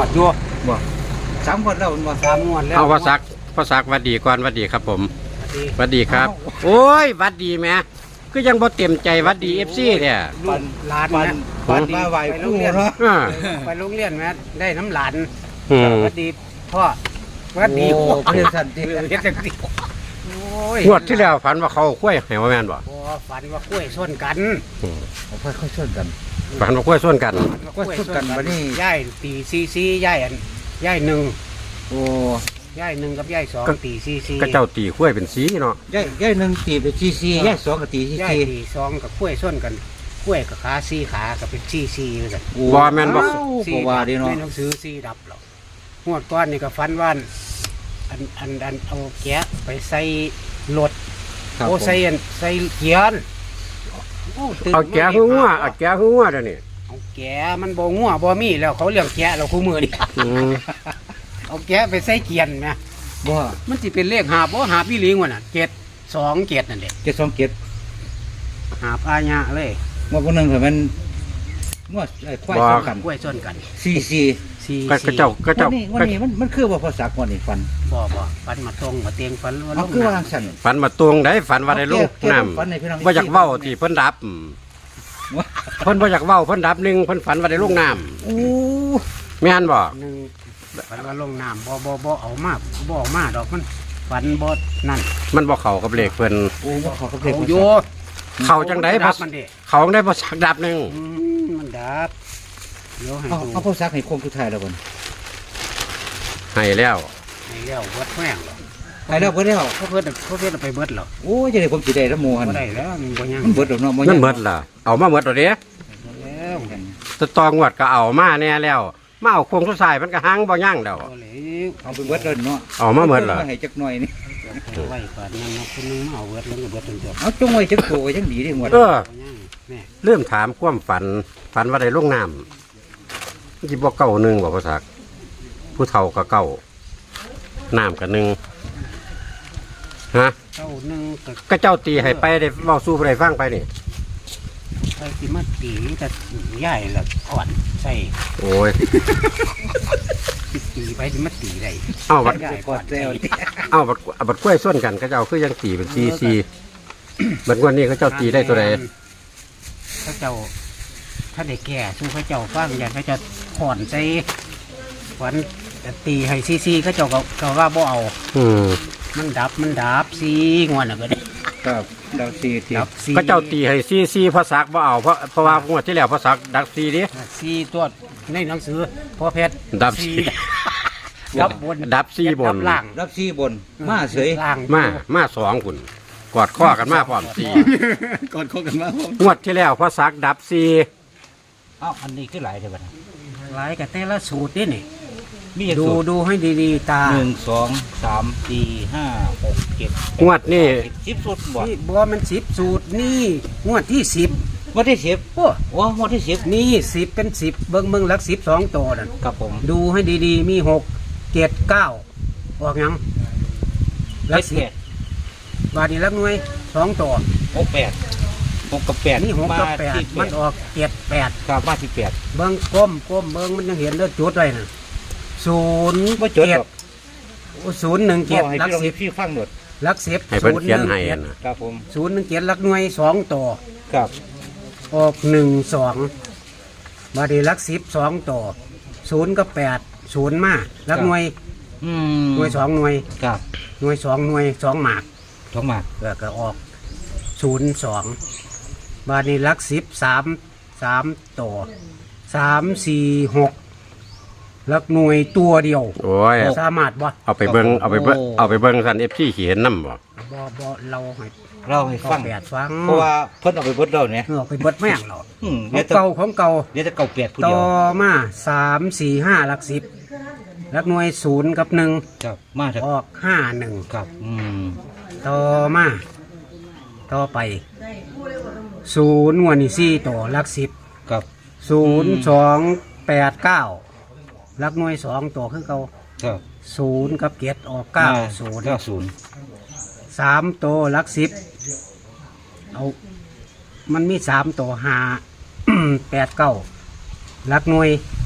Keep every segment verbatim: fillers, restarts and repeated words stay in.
อยู่บ่สามคนแล้วบ่สามงวดแล้วเอาภาษาภาษาวัดดีก่อนวัดดีครับผมสวัสดีวัดดีครับ โอ้ยวัดดีแม่ก็ยังบ่เต็มใจวัดดีเอฟซีเนี่ยลูกหลานปันนะปันมาไหวผู้เนาะอ่าไปโรงเรียนแม่ได้น้ำหลานอืมสวัสดีพ่อสวัสดีโอ้พ่อเพื่อนสันติเฮ็ดจังซี่โอ้ยงวดที่แล้วฝันว่าเขาคุ้ยให้ว่าแม่นบ่บ่ฝันว่ากล้วยส้นกันอืมเอาค่อยๆช่วยกันฝันว่าคุ้ยส่วนกันฝันว่ากล้วยส้นกล้วยส้นกันบัดนี้ย่ายตีซีซีย่ายอันย่ายหนึ่งโอ้ย่ายหนึ่งกับย่ายสองตีซีซีก็เจ้าตีคุ้ยเป็นสีเนาะย่ายย่ายหนึ่งตีไปซีซีย่ายสองก็ตีซีย่ายซีตีสองกับกล้วยส้นกันกล้วยกับขาซีขากับเป็นซีซีเหมือนกันบ่แม่นบ่บ่ว่าดีเนาะในหนังสือซีดับหรอกงวดก้อนนี่ก็ฟันว่านอันอันอันเอาแกะไปใส่รถครับโอ้ผมใส่อันใส่เกียนโอ้ตื่นเอาแกะหัวเอาแกะหัวเดี๋ยวนี้เอาแกะมันบ่งัวบ่มีแล้วเขาเลี้ยงแกะเราคู่มือนี่อืมเอาแกะไปใส่เกียนนะบ่มันสิเป็นเลขหาบบ่หาบพี่ลิงวะน่ะเจ็ดสองเจ็ดนั่นแหละเจ็ดสองเจ็ดหาบอาญะเลยงวดคนหนึ่งคือมันงวดไอ้ควายสองกันกล้วยส้นกันซีซีซีก็ก็เจ้าก็วัเจ้านนี้วันนี้มันมันคือว่าภาษากวันนี้ฟันบ่บ่ฟันมาตรงมาเตียงฟันว่าเอาลงคือว่าน้ำสั่นฝันมาตวงได้ฝันว่าได้ลูกน้ฝันให้พี่น้องำบ่อยากเว้าที่เพิ่นดับอืมเพิ่นบ่อยากเว้าเพิ่นดับหนึงเพิ่นฝันว่าได้ลูกน้โอ้ำแม่นบ่หนึ่งฝันว่าลงน้ำบ่บ่บ่เอามาบ่เอามาดอกมันฝันบ่นั่นมันบ่เข้ากับเลขเพิ่นโอ้ว่าขอกับเอาเด็กอยู่เข้าจังได๋ดับ่บมันดิเขาจั่งได้บ่สักดับหนึงอืมมันดับเดี๋ยวให้เอาดูเอาภาษาให้คงสุดท้ายแล้วบ่ให้แล้วให้แล้วเบิดแม่งหรอกให้แล้วเบิดแล้วเขาเบิดเขาเบิดเอาไปเบิดหรอกโอ้ยจะได้ผมสิได้ละหมู่หั่นบ่ได้แล้วมันบ่ยังมันเบิดแล้วเนาะมันเบิดล่ะเอามาเบิดแล้วเด้แล้วแตตองวดก็เอามาแน่แล้วมาเอาโคงสุดท้ายมันก็หังบ่ยั่งแล้วบ่เลยเอาไปเบิดแล้วเนาะเอามาเบิดเหรอให้จักหน่อยนี่ไว้ก่อนนั่นเนาะคนนึงมาเอาเบิดแล้วก็เบิดจนจบเอาจงไว้จักโตก็ยังดีได้หมดเออบ่ยังแม่เริ่มถามความฝัน ฝันว่าได้ลงน้ำที่บอกเก่าหนึ่งบอกภาษาผู้เฒ่าก็เก่าน้ำกับหนึ่งฮะเจ้าหนึงก็ก็เจ้าตีให้ไปได้เว้าสู้ไปได้ฟังไปนี่ไปสิมาตีแต่ใหญ่ละอ่อนใส่โอ้ยตีไปสิมาตีได้เอาบัดใหญ่กอดแล้วเอาบัดเอาบัดกล้วยส้นกันก็เจ้าคือยังตีเป็นซีซีบัดงวันนี้ก็เจ้าตีได้ตัวใดเขาเจ้าถ้าได้แก่สู้เขาเจ้าฟังอย่างเขาจะขอนใส่ขวัญตีให้ซีซีเขาเจ้าก็ก็ว่าบ่เอาอืมมันดับมันดับซีงวนอ่ะก็ได้ครับดาวซีทีดับซีก็เจ้าตีให้ซีซีภาษาบ่เอาเพราะเพราะว่างวดที่แล้วภาษาดักซีดิซีตัวในหนังสือพ่อเพชรดับซีดับบนดับซีบนดับล่างรับซีบนมาเสยล่างมามาสองคุณกอดข้อกันมาพร้อมซีกอดคอกันมาผมงวดที่แล้วภาษาดับซีเอ้าอันนี้คือหลายเด้อบัดนี้หลายกับแต่ละสูตรนี่นี่มีจักดูสูตรดูให้ดีๆตาหนึ่งสองสามสี่ห้าหกเจ็ดงวดนี่สิบสูตรบ่นี่บัวมันสิบสูตรนี่งวดที่สิบงวดที่สิบโอ้โอ้งวดที่สิบนี่สิบเป็นสิบเบิ้งเบิ้งหลักสิบสองตัวนั่นครับผมดูให้ดีๆ มีหกเจ็ดเก้าออกยังหลักสิบบาทนี้หลักหน่วยสองตัวหกแปดหกกับแปดนี่หกกับแปดที่มันออกเจ็ดแปดครับมาที่แปดเบิ้งก้มก้มเบิ้งมันยังเห็นเลือดจุดไว้น่ะศูนย์บ่จดเจ็ดหรอกศูนย์หนึ่งเกีเจ็ยดให้หลักพี่ลองสิบพี่ฟังหมดหลักสิบให้เพิ่นเขียนให้อะนะครับผมศูนย์หนึ่งเจ็ดหลักหน่วยสองตัวครับออกหนึ่งสองบาดีหลักสิบสองตัวศูนย์กับแปดศูนย์มาหลักหน่วยอืมหน่วยสองหน่วยครับหน่วยสองหน่วยสองหมากท้องหมากแล้วก็ออกศูนย์สองบาดีหลักสิบสามสามตัวสามสี่หกหลักหน่วยตัวเดียวโอ้ยสามารถบ่เอาไปเบิ้งเอาไปเบิ้งเอาไปเบิ้งสันเอฟซีเขียนน้ำบ่บ่บ่เราให้เราให้ก็ฟังแปดฟังเพราะว่าเพิ่นเอาไปเบิดเราเนี่ยเออไปเบิดแม่งเราอืมขเดี๋อย งวจะเก่าของเก่าเดี๋ยวจะเก่าแปดผู้ต่เดีอยวมาสามสี่ห้าหลักสิบหลักหน่วยศูนย์กับหนึ่งครับมาจากออกห้าหนึ่งครับอืมต่อมาต่อไปศูนย์งวดนี่สี่ตัวหลักสิบครับศูนย์สองแปดเก้าหลักหน่วยสองตัวคือเก่าครับศูนย์กับเจ็ดออกเก้าศูนย์เก้าศูนย์สามตัวหลักสิบเอามันมีสามตัวห้า แปดเก้าหลักหน่วยเ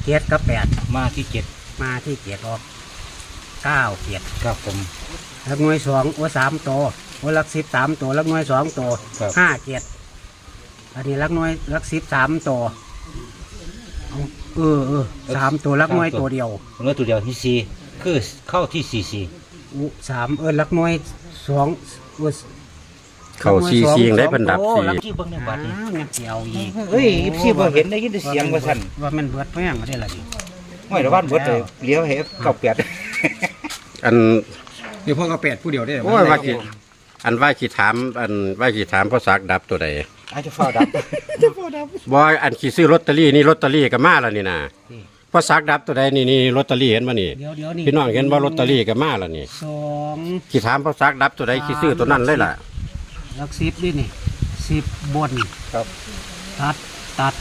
จ็ดกับแปดมาที่เจ็ดมาที่เจ็ดออกเก้าเจ็ดครับผมลักหน่วยสองโอ้สามตัวโอ้ลักสิบสามตัวลักหน่วยสองตัวครับห้าเจ็ดอันนี้ลักหน่วยลักสิบสามตัวเอาเออเออสามตัวลักหน่วยตัวเดียวเนื้อตัวเดียวที่สี่คือเข้าที่สี่สี่อุสามเออลักหน่วยสองเออเข้าซีซียังได้เพิ่นดับซีลักที่เบิ้งในบัตรนี่อ้าวงั้นเดียวอีกเฮ้ยพี่บ่เห็นได้ยินแต่เสียงว่าสั่นว่ามันเบิดแป้งก็ได้ละดิไม่ระวังเบิดเลยเลี้ยวเห็บเก้าแปดอันเดี๋ยวพ่อก็แปดผู้เดียวได้โอ้ยว่าสิอันว่าสิถามอันว่าสิถามพ่อซักดับตัวใดอาจจะเฝ้าดับบ่อันขี่ซื้อลอตเตอรี่นี่ลอตเตอรี่ก็มาแล้วนี่นะพ่อซักดับตัวใดนี่นี่ลอตเตอรี่เห็นบ่นี่เดี๋ยวเดี๋ยวนี่พี่น้องเห็นว่าลอตเตอรี่ก็มาแล้วนี่สองขี่ถามพ่อซักดับตัวใดขี่ซื้อตัวนั้นเลยล่ะลักสิบนี่นี่สิบบนครับตัดตัด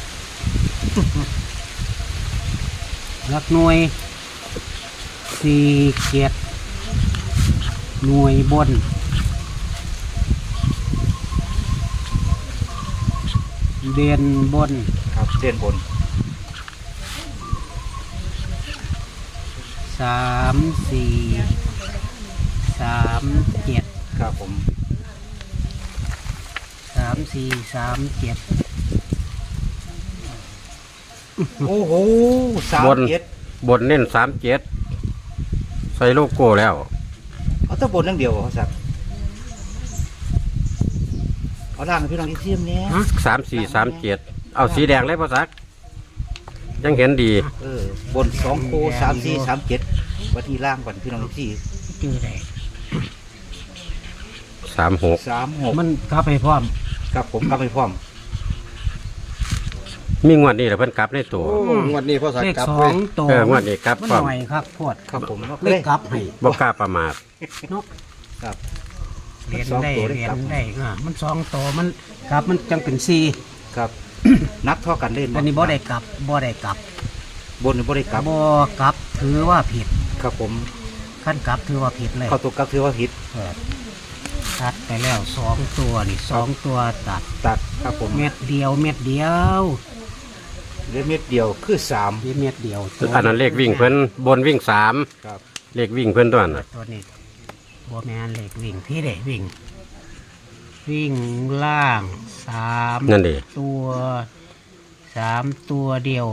ลักหน่วยสี่เจ็ดหน่วยบนเด่นบนครับเส้นบนสามสี่สามเจ็ดครับผมสามสี่สามเจ็ดโอ้โหสามบนเจ็ดบนเน้นสามเจ็ดใส่โลโก้แล้วเอาแต่บนนั่งเดียวเขาสักเอาล่างให้พี่น้องที่เทียมเนี้ยสามสี่สามเจ็ดเอาสีแดงเลยพ่อซัก ยังเห็นดีเออบนสองโคสามสี่สามเจ็ดวันที่ล่างก่อนพี่น้องที่จือได้สามหกสามหกมันกลับไปพร้อมครับผมกลับไปพร้อมมีงวดนี้แหละเพิ่นกลับในตัวโอ้งวดนี้พ่อสักเลขกลับสอเว้ยงตัวเอองวดนี้กลับมันพร้อมหน่อยครับพวดครับผมเลขกลับให้บ่กล้าประมาทเนาะครับเรียนสองได้ตัวได้เรียกลับนได้อ่ามันสองตัวมันกลับมันจังเป็นสี่ครับ นับเท่ากันเล่นอันนี้บ่ได้กลับบ่ได้กลับบนหรือบ่ได้กลับบ่กลับถือว่าผิดครับผมขั้นกลับถือว่าผิดเลยเข้าตัวกลับถือว่าผิดเออตัดไปแล้วสองตัวนี่สองตัวตัดตัดครับผมเม็ดเดียวเม็ดเดียวเหลือเม็ดเดียวคือสามนี่เม็ดเดียวอันนั้นเลขวิ่งเพิ่นบนวิ่งสามครับเลขวิ่งเพิ่นตัวนั้นน่ะตัวนี้บัวแมนเหล็กวิ่งที่เด็วิ่ง วิ่งล่างสามนั่นดิตัวสามตัวเดียว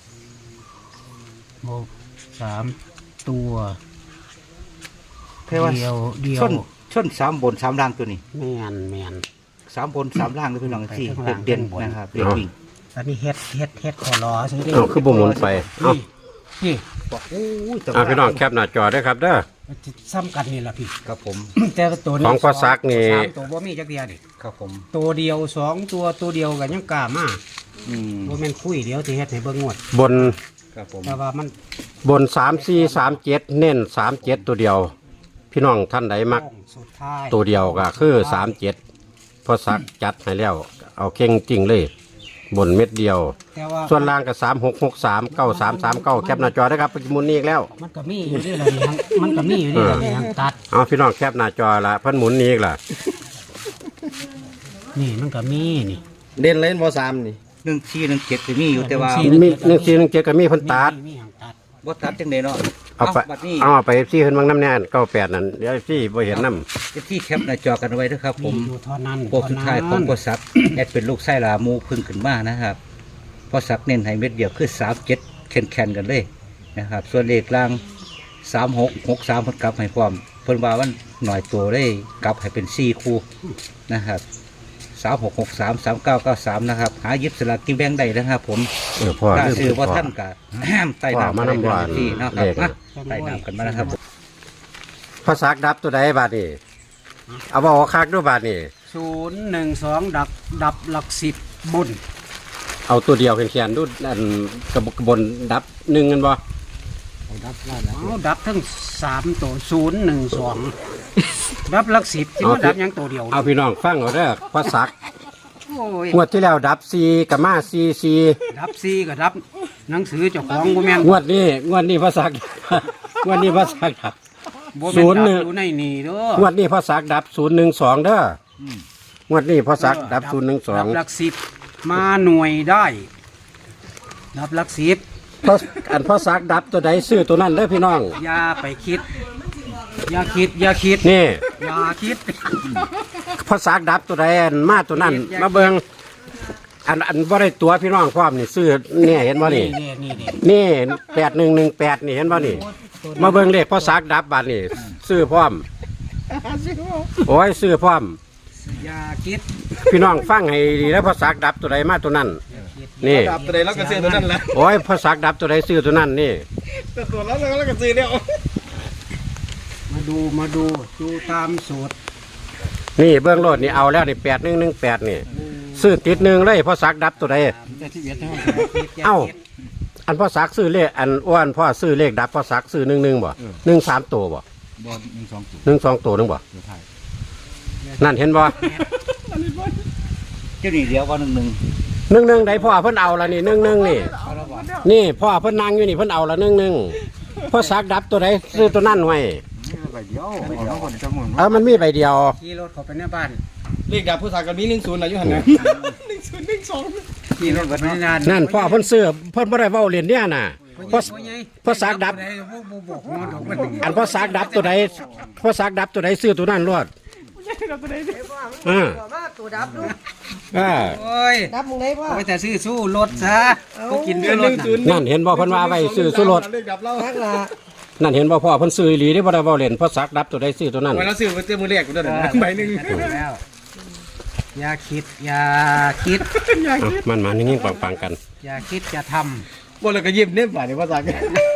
โบสามตัวแค่ว่าเดียวเดียวชนชนสามบนสามล่างตัวนี้แมนแมนสามบนสามล่างเลยพี่น้องที่ไปข้างล่างเด่นข้างบนๆนะครับเด่นวิ่งอันนี้เฮ็ดเฮ็ดเฮ็ดขอรอซื้อได้เอาคือบ่หมุนไปเอานี่นี่บอกโอ้ยแต่เอาพี่น้องแคปหน้าจอด้วยครับเด้อมันจะซ้ำกันนี่แหละพี่ครับผมแต่ตัวนี้ของพ่อซักนี่สามตัวบ่มีจักเดียวดิครับผมตัวเดียวสองตัวตัวเดียวกันยังกล้ามาอืมบ่แม่นคุยเดียวที่เฮ็ดให้เบิ่งงวดบนครับผมแต่ว่ามันบนสามสี่สามเจ็ดเน้นสามเจ็ดตัวเดียว พี่น้องท่านใดมักโค้งสุดท้ายตัวเดียวก็คือสามเจ็ดพอซักจัดให้แล้ว เอาเข่งจริงเลย บนเม็ดเดียวแต่ว่าส่วนล่างก็สามหกหกสามเก้าสามสามเก้าแคปหน้าจอได้ครับปัจจุบันนี้อีกแล้วมันก็มีอยู่ด้วยล่ะนี่ทั้งมันก็มีอยู่ด้วยล่ะนี่ทั้งตัดเอาพี่น้องแคปหน้าจอละเพิ่นหมุนนี้อีกล่ะนี่มันก็มีนี่เด่นเล่นพ่อสามนี่หนึ่งที่หนึ่งเจ็ดจะมีอยู่แต่ว่าหมีหนึ่งสี่หนึ่งเจ็ดก็มีเพิ่นตัดมีมีทั้งตัดบ่ตัดจังไดเนาะเอาไปบัดนี้เอาไปซี่ขึ้นบางน้ำแน่นเก้าแปดนั่นเดี๋ยวซี่บ่เห็นน้ที่แคปหน้าจอกันไว้นะครับผมมีอยู่เท่านั้นโปกสุดท้ายของพอสักแอดเป็นลูกไส้ลามูพึ่งขึ้นมานะครับพอสักเน้นให้เม็ดเดียวคือสามเจ็ดแคนแคนๆกันเลยนะครับส่วนเลขล่างสามหกหกสามเพิ่นกลับให้พร้อมเพิ่นว่ามันหน่อยตัวได้กลับให้เป็นสี่คู่นะครับสามหกหกสามสามเก้าเก้าสามนะครับหาหยิบสลากกินแบงได้นะครับผมำเออพ่อถ้าลืมซื้อว่าพ่อท่านกะห้ามไต่น้ำว่ากันมาได้น้ำหวานที่นะคเลรับขนะไต่น้ำกันมานะครับพอซักดับตัวใดบาดนี่เอาบอกว่าคักด้วยบาดนี่ศูนย์หนึ่งสองดับดับหลักสิบบนเอาตัวเดียวแขนๆดูอันกระบกบนดับหนึ่งกันบ่เอาดับทั้งสามตัวศูนย์หนึ่งสองดับหลักสิบที่มันดับหยังตัวเดียวเอาพี่น้องฟังเอาเด้อพอซักโอ้ยงวดที่แล้วดับซีกับมาซีซีดับสี่ก็ดับหนังสือเจ้าของบ่แม่นงวดนี้งวดนี้พอซัก งวดนี้พอซักดับบ่ศูแม่นนย์หนึ่ดังบอยู่ในนี่เด้องวดนี้พอซักดับศูนย์หนึ่งสองเด้ออมงวดนี้พอซักดับศูนย์หนึ่งสองดับหลักสิบมาหน่วยได้ ดับหลักสิบเพราะอันพ่อซักดับตัวใดซื้อตัวนั้นเด้อพี่น้องอย่าไปคิด อย่าคิด อย่าคิดนี่อย่าคิดพ่อซักดับตัวใดอันมาตัวนั้น มาเบิ่งอันอันบ่ได้ตัวพี่น้องพร้อมนี่ซื้อเนี่ยเห็นบ่นี่นี่นี่นี่นี่แปดหนึ่งหนึ่งแปดนี่เห็นบ่นี่ มาเบิ่งเลขพ่อซักดับบัดนี่ซื้อพร้อมโอ้ยซื้อพร้อมอย่าคิดพี่น้องฟังให้ดีแล้วพ่อซักดับตัวใดมาตัวนั้น นี่ดับตัวใดแล้วก็ซื้อตัวนั้นแหละโอ้ยพ่อซักดับตัวใดซื้อตัวนั้นนี่แต่ตัวแล้วแล้วก็ซื้อเนี่ยมาดูมาดูดูตามสูตรนี่เบื้องโลดนี่เอาแล้วนี่แปดหนึ่งหนึ่งแปดนี่ซื้อติดหนึ่งเลยพ่อซักดับตัวใด เอ้า อันพ่อซักซื้อเลขอันอ้วนพ่อซื้อเลขดับพ่อซักซื้อหนึ่งหนึ่งบ่หนึ่งสามตัวบ่บอลหนึ่งสองตัวหนึ่งสองตัวหนึงบ่เดี๋ยวถ่ายนั่นเห็นบ่เจ้านี่เดียวว่าหนึ่งหนึ่งหนึ่งหนึ่งใดพ่อเพิ่นเอาละนี่หนึ่งหนึ่งนี่เอาละบ่นี่พ่อเพิ่นนั่งอยู่นี่เพิ่นเอาละหนึ่งหนึ่งพ่อซักดับตัวใดซื้อตัวนั้นไว้ใบเดียวใบเดียวคนจะหมุนเออมันมีใบเดียวขี่รถเข้าไปในบ้านเลขดับผู้สาวกับมีหนึ่งศูนย์นะอยู่หันนะหนึ่งศูนย์หนึ่งสองขี่รถเข้าไปในงานนั่นพ่อเพิ่นซื้อเพิ่นบ่ได้เว้าเล่นเนี่ยน่ะพ่อพ่อซักดับ อันพ่อซักดับตัวใดพ่อซักดับตัวใดซื้อตัวนั้นรอดอ่าตัวดับดูอ่าโอ้ยดับมึงไหนพ่อเอาไปแต่ซื้อสู้รถซะก็กินเดืซื้ออน รหถนึ่งน่ะศูนย์นั่นเห็นบ่เพิ่นว่าไว้ซื้อสุรสเลขดับเราทักละนั่นเห็นบ่พ่อเพิ่นซื้ออีหลีที่บ่ได้เว้าเล่นพ่อซักดับตัวใดซื้อตัวนั้นวันเราซื้อมาเจอมือแรกกูด้วยใบหนึ่งถูกแล้วอย่าคิด อย่าคิดอ่ะมันมานิ่งๆปังๆกันอย่าคิดจะทบนเราก็ยิ้มเนี่ยฝ่ายในภาษา